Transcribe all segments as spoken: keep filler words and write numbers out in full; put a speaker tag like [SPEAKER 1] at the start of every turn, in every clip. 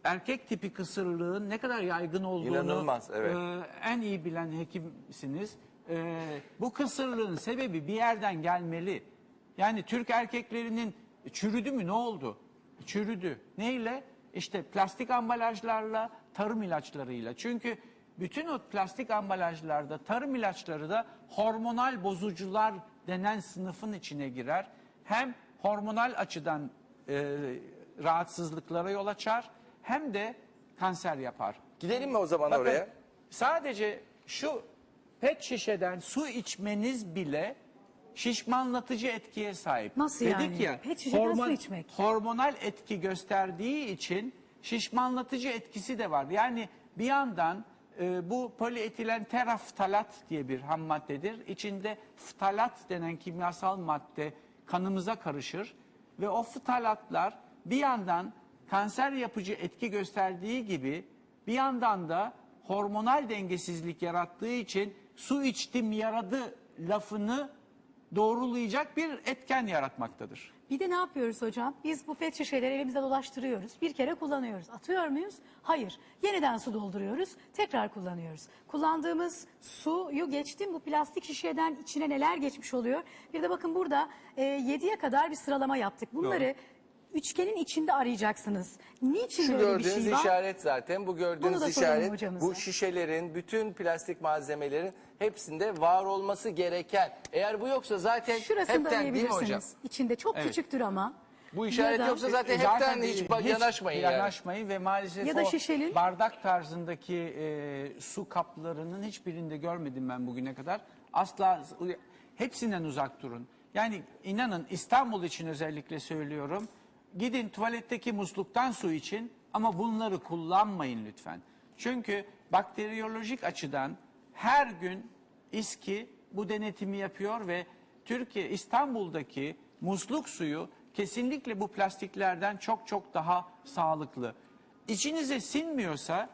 [SPEAKER 1] erkek tipi kısırlığın ne kadar yaygın olduğunu
[SPEAKER 2] İnanılmaz, evet.
[SPEAKER 1] e, en iyi bilen hekimsiniz. E, bu kısırlığın sebebi bir yerden gelmeli. Yani Türk erkeklerinin çürüdü mü, ne oldu? Çürüdü. Neyle? İşte plastik ambalajlarla, tarım ilaçlarıyla. Çünkü bütün o plastik ambalajlarda, tarım ilaçları da hormonal bozucular denen sınıfın içine girer. Hem hormonal açıdan e, rahatsızlıklara yol açar, hem de kanser yapar.
[SPEAKER 2] Gidelim mi o zaman
[SPEAKER 1] Bakın,
[SPEAKER 2] oraya?
[SPEAKER 1] sadece şu pet şişeden su içmeniz bile şişmanlatıcı etkiye sahip.
[SPEAKER 3] Nasıl
[SPEAKER 1] Dedik
[SPEAKER 3] yani?
[SPEAKER 1] ya,
[SPEAKER 3] Pet şişeden su içmek.
[SPEAKER 1] hormonal etki gösterdiği için şişmanlatıcı etkisi de var. Yani bir yandan e, bu polietilen teraftalat diye bir ham maddedir. İçinde ftalat denen kimyasal madde kanımıza karışır ve o ftalatlar bir yandan kanser yapıcı etki gösterdiği gibi bir yandan da hormonal dengesizlik yarattığı için su içtim yaradı lafını doğrulayacak bir etken yaratmaktadır.
[SPEAKER 3] Bir de ne yapıyoruz hocam? Biz bu pet şişeleri elimizde dolaştırıyoruz. Bir kere kullanıyoruz. Atıyor muyuz? Hayır. Yeniden su dolduruyoruz. Tekrar kullanıyoruz. Kullandığımız suyu geçtim. Bu plastik şişeden içine neler geçmiş oluyor? Bir de bakın burada e, yediye kadar bir sıralama yaptık. Bunları
[SPEAKER 1] Doğru.
[SPEAKER 3] üçgenin içinde arayacaksınız. Niçin
[SPEAKER 2] Şu
[SPEAKER 3] böyle bir
[SPEAKER 2] gördüğünüz
[SPEAKER 3] şey var?
[SPEAKER 2] işaret zaten. Bu
[SPEAKER 3] Bunu
[SPEAKER 2] gördüğünüz
[SPEAKER 3] da soralım
[SPEAKER 2] işaret
[SPEAKER 3] hocamıza.
[SPEAKER 2] bu şişelerin, bütün plastik malzemelerin hepsinde var olması gereken. Eğer bu yoksa zaten
[SPEAKER 3] Şurasını da
[SPEAKER 2] hepten değil mi hocam?
[SPEAKER 3] arayabilirsiniz. İçinde çok
[SPEAKER 1] Evet.
[SPEAKER 3] küçüktür ama.
[SPEAKER 2] Bu işaret
[SPEAKER 3] Ya da-
[SPEAKER 2] yoksa zaten
[SPEAKER 1] E,
[SPEAKER 2] hepten hiç,
[SPEAKER 1] hiç
[SPEAKER 2] yanaşmayın yani.
[SPEAKER 1] yanaşmayın ve maalesef
[SPEAKER 3] Ya da
[SPEAKER 1] o
[SPEAKER 3] şişenin-
[SPEAKER 1] bardak tarzındaki e, su kaplarının hiçbirinde görmedim ben bugüne kadar. Asla hepsinden uzak durun. Yani inanın İstanbul için özellikle söylüyorum. Gidin tuvaletteki musluktan su için ama bunları kullanmayın lütfen. Çünkü bakteriyolojik açıdan her gün İSKİ bu denetimi yapıyor ve Türkiye İstanbul'daki musluk suyu kesinlikle bu plastiklerden çok çok daha sağlıklı. İçinize sinmiyorsa,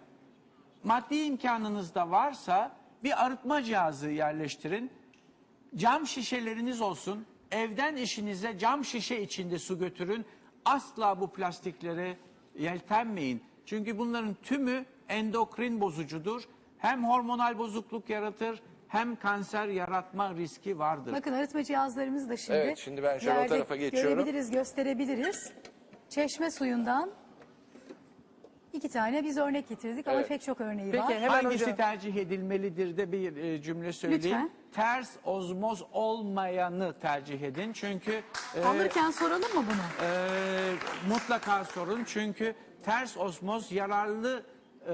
[SPEAKER 1] maddi imkanınız da varsa bir arıtma cihazı yerleştirin. Cam şişeleriniz olsun. Evden işinize cam şişe içinde su götürün. Asla bu plastiklere yeltenmeyin. Çünkü bunların tümü endokrin bozucudur. Hem hormonal bozukluk yaratır, hem kanser yaratma riski vardır.
[SPEAKER 3] Bakın arıtma cihazlarımız da şimdi.
[SPEAKER 2] Evet, şimdi ben şöyle o
[SPEAKER 3] yerde
[SPEAKER 2] tarafa geçiyorum.
[SPEAKER 3] Görebiliriz, gösterebiliriz. Çeşme suyundan iki tane biz örnek getirdik ama
[SPEAKER 2] Evet.
[SPEAKER 3] pek çok örneği
[SPEAKER 2] Peki,
[SPEAKER 3] var.
[SPEAKER 2] hemen
[SPEAKER 1] Hangisi
[SPEAKER 2] hocam.
[SPEAKER 1] tercih edilmelidir de bir e, cümle söyleyeyim.
[SPEAKER 3] Lütfen.
[SPEAKER 1] Ters ozmoz olmayanı tercih edin. Çünkü e,
[SPEAKER 3] Alırken soralım mı bunu?
[SPEAKER 1] e, mutlaka sorun. Çünkü ters ozmoz yararlı e,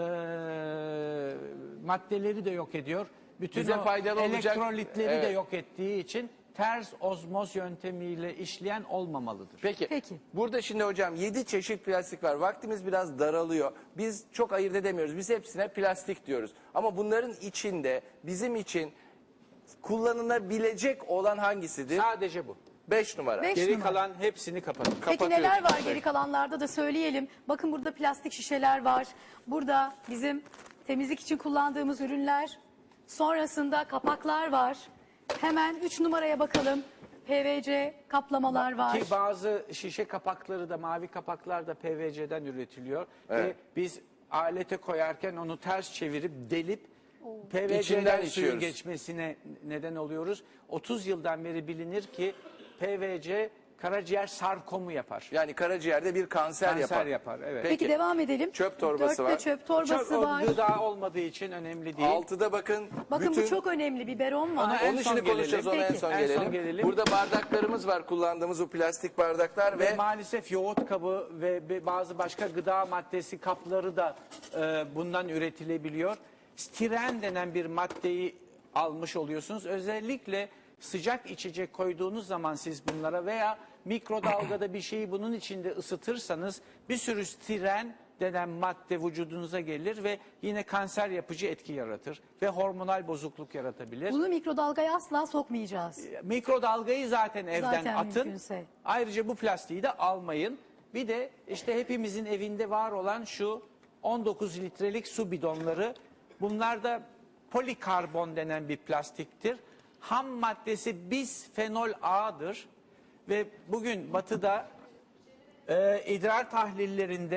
[SPEAKER 1] maddeleri de yok ediyor. Bütün
[SPEAKER 2] Bize
[SPEAKER 1] o
[SPEAKER 2] faydalı olacak-
[SPEAKER 1] elektrolitleri de
[SPEAKER 2] Evet.
[SPEAKER 1] yok ettiği için ters ozmoz yöntemiyle işleyen olmamalıdır.
[SPEAKER 2] Peki.
[SPEAKER 3] Peki.
[SPEAKER 2] Burada şimdi hocam yedi çeşit plastik var. Vaktimiz biraz daralıyor. Biz çok ayırt edemiyoruz. Biz hepsine plastik diyoruz. Ama bunların içinde bizim için kullanılabilecek olan hangisidir?
[SPEAKER 1] Sadece bu.
[SPEAKER 2] Beş numara.
[SPEAKER 3] Beş
[SPEAKER 1] Geri
[SPEAKER 3] numara.
[SPEAKER 1] kalan hepsini kapatın.
[SPEAKER 3] Peki neler var
[SPEAKER 2] kapatıyoruz.
[SPEAKER 3] geri kalanlarda da söyleyelim. Bakın burada plastik şişeler var. Burada bizim temizlik için kullandığımız ürünler. Sonrasında kapaklar var. Hemen üç numaraya bakalım. P V C kaplamalar var.
[SPEAKER 1] Ki bazı şişe kapakları da, mavi kapaklar da P V C'den üretiliyor.
[SPEAKER 2] Evet.
[SPEAKER 1] Ve biz alete koyarken onu ters çevirip delip P V
[SPEAKER 2] İçinden
[SPEAKER 1] C'den suyun
[SPEAKER 2] içiyoruz.
[SPEAKER 1] geçmesine neden oluyoruz. otuz yıldan beri bilinir ki P V C karaciğer sarkomu yapar.
[SPEAKER 2] Yani karaciğerde bir kanser,
[SPEAKER 1] Kanser
[SPEAKER 2] yapar.
[SPEAKER 1] yapar, evet.
[SPEAKER 3] Peki,
[SPEAKER 2] Peki,
[SPEAKER 3] devam edelim.
[SPEAKER 2] çöp torbası
[SPEAKER 3] Dörtte
[SPEAKER 2] var.
[SPEAKER 3] çöp torbası
[SPEAKER 1] Çok
[SPEAKER 3] var.
[SPEAKER 1] gıda olmadığı için önemli değil.
[SPEAKER 2] Altıda bakın.
[SPEAKER 3] Bakın
[SPEAKER 2] bütün...
[SPEAKER 3] bu çok önemli. Biberon var.
[SPEAKER 1] Ona en
[SPEAKER 2] Onu
[SPEAKER 1] son
[SPEAKER 2] şimdi konuşacağız,
[SPEAKER 1] gelelim.
[SPEAKER 2] ona en
[SPEAKER 3] Peki.
[SPEAKER 2] son,
[SPEAKER 1] En
[SPEAKER 2] gelelim.
[SPEAKER 1] son gelelim.
[SPEAKER 2] Burada bardaklarımız var, kullandığımız bu plastik bardaklar
[SPEAKER 1] Ve
[SPEAKER 2] ve,
[SPEAKER 1] maalesef yoğurt kabı ve be- bazı başka gıda maddesi kapları da e, bundan üretilebiliyor. Stiren denen bir maddeyi almış oluyorsunuz. Özellikle sıcak içecek koyduğunuz zaman siz bunlara veya mikrodalgada bir şeyi bunun içinde ısıtırsanız bir sürü stiren denen madde vücudunuza gelir ve yine kanser yapıcı etki yaratır ve hormonal bozukluk yaratabilir.
[SPEAKER 3] Bunu mikrodalgaya asla sokmayacağız.
[SPEAKER 1] Mikrodalgayı zaten evden
[SPEAKER 3] Zaten
[SPEAKER 1] atın.
[SPEAKER 3] mümkünse.
[SPEAKER 1] Ayrıca bu plastiği de almayın. Bir de işte hepimizin evinde var olan şu on dokuz litrelik su bidonları. Bunlar da polikarbon denen bir plastiktir. Ham maddesi bisfenol A'dır. Ve bugün batıda e, idrar tahlillerinde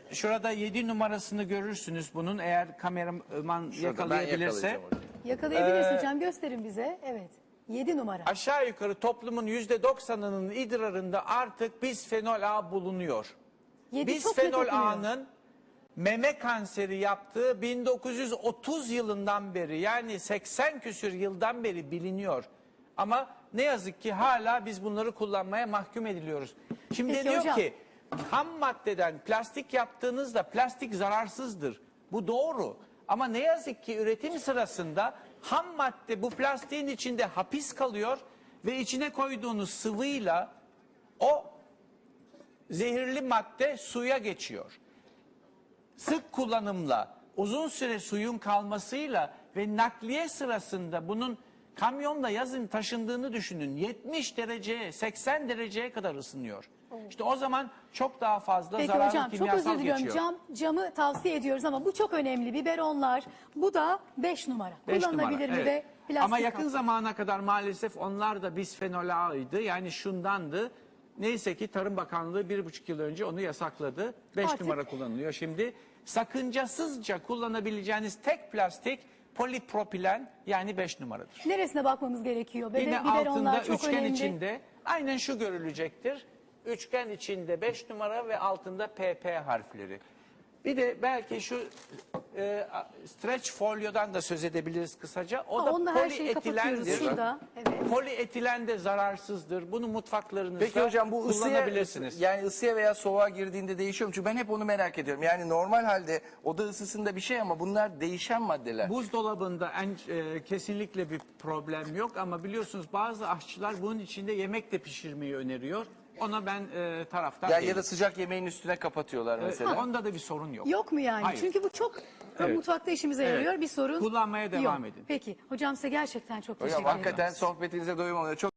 [SPEAKER 1] şurada yedi numarasını görürsünüz bunun, eğer kameraman
[SPEAKER 2] Şurada, ben
[SPEAKER 1] yakalayabilirse.
[SPEAKER 2] yakalayacağım hocam.
[SPEAKER 3] Yakalayabiliriz
[SPEAKER 1] Ee,
[SPEAKER 3] hocam, gösterin bize. Evet. yedi numara.
[SPEAKER 1] Aşağı yukarı toplumun yüzde doksanının idrarında artık bisfenol A bulunuyor.
[SPEAKER 3] yedi çok net
[SPEAKER 1] Bisfenol
[SPEAKER 3] okunuyor.
[SPEAKER 1] A'nın meme kanseri yaptığı bin dokuz yüz otuz yılından beri, yani seksen küsür yıldan beri biliniyor. Ama ne yazık ki hala biz bunları kullanmaya mahkum ediliyoruz. Şimdi
[SPEAKER 3] Peki
[SPEAKER 1] diyor
[SPEAKER 3] hocam.
[SPEAKER 1] ki ham maddeden plastik yaptığınızda plastik zararsızdır. Bu doğru. Ama ne yazık ki üretim sırasında ham madde bu plastiğin içinde hapis kalıyor ve içine koyduğunuz sıvıyla o zehirli madde suya geçiyor. Sık kullanımla, uzun süre suyun kalmasıyla ve nakliye sırasında bunun kamyonla yazın taşındığını düşünün. yetmiş dereceye, seksen dereceye kadar ısınıyor. İşte o zaman çok daha fazla
[SPEAKER 3] Peki
[SPEAKER 1] zararlı
[SPEAKER 3] hocam, çok
[SPEAKER 1] kimyasal
[SPEAKER 3] özür diliyorum.
[SPEAKER 1] geçiyor.
[SPEAKER 3] Cam, camı tavsiye ediyoruz ama bu çok önemli. Biberonlar. Bu da beş numara.
[SPEAKER 1] Beş
[SPEAKER 3] Kullanılabilir
[SPEAKER 1] numara,
[SPEAKER 3] mi
[SPEAKER 1] evet.
[SPEAKER 3] de plastik
[SPEAKER 1] Ama yakın
[SPEAKER 3] kap.
[SPEAKER 1] zamana kadar maalesef onlar da bisfenol A'ydı. Yani şundandı. Neyse ki Tarım Bakanlığı bir buçuk yıl önce onu yasakladı. Beş
[SPEAKER 3] Artık-
[SPEAKER 1] numara kullanılıyor. Şimdi sakıncasızca kullanabileceğiniz tek plastik polipropilen, yani beş numaradır.
[SPEAKER 3] Neresine bakmamız gerekiyor? Bebe,
[SPEAKER 1] Yine
[SPEAKER 3] biberonlar
[SPEAKER 1] altında
[SPEAKER 3] çok
[SPEAKER 1] üçgen
[SPEAKER 3] önemli.
[SPEAKER 1] içinde aynen şu görülecektir. Üçgen içinde beş numara ve altında P P harfleri. Bir de belki şu e, stretch folyodan da söz edebiliriz kısaca. O
[SPEAKER 3] Ha,
[SPEAKER 1] da
[SPEAKER 3] onunla her şeyi kapatıyoruz
[SPEAKER 1] polietilendir.
[SPEAKER 3] şurada. Evet.
[SPEAKER 1] Polietilen de zararsızdır. Bunu mutfaklarınızda
[SPEAKER 2] Peki hocam bu ısıya,
[SPEAKER 1] kullanabilirsiniz.
[SPEAKER 2] yani ısıya veya soğuğa girdiğinde değişiyor mu? Çünkü ben hep onu merak ediyorum. Yani normal halde oda ısısında bir şey ama bunlar değişen maddeler.
[SPEAKER 1] Buzdolabında en, e, kesinlikle bir problem yok ama biliyorsunuz bazı aşçılar bunun içinde yemek de pişirmeyi öneriyor. Ona ben e, taraftar
[SPEAKER 2] Ya,
[SPEAKER 1] değilim.
[SPEAKER 2] ya da sıcak yemeğin üstüne kapatıyorlar
[SPEAKER 1] E,
[SPEAKER 2] mesela.
[SPEAKER 1] onda da bir sorun yok.
[SPEAKER 3] Yok mu yani?
[SPEAKER 1] Hayır.
[SPEAKER 3] Çünkü bu çok
[SPEAKER 1] Evet.
[SPEAKER 3] mutfakta işimize
[SPEAKER 1] Evet.
[SPEAKER 3] yarıyor. Bir sorun
[SPEAKER 1] Kullanmaya devam
[SPEAKER 3] yok.
[SPEAKER 1] edin.
[SPEAKER 3] Peki hocam, size gerçekten çok
[SPEAKER 2] Hocam
[SPEAKER 3] teşekkür ederim.
[SPEAKER 2] hakikaten sohbetinize doyum oluyor. Çok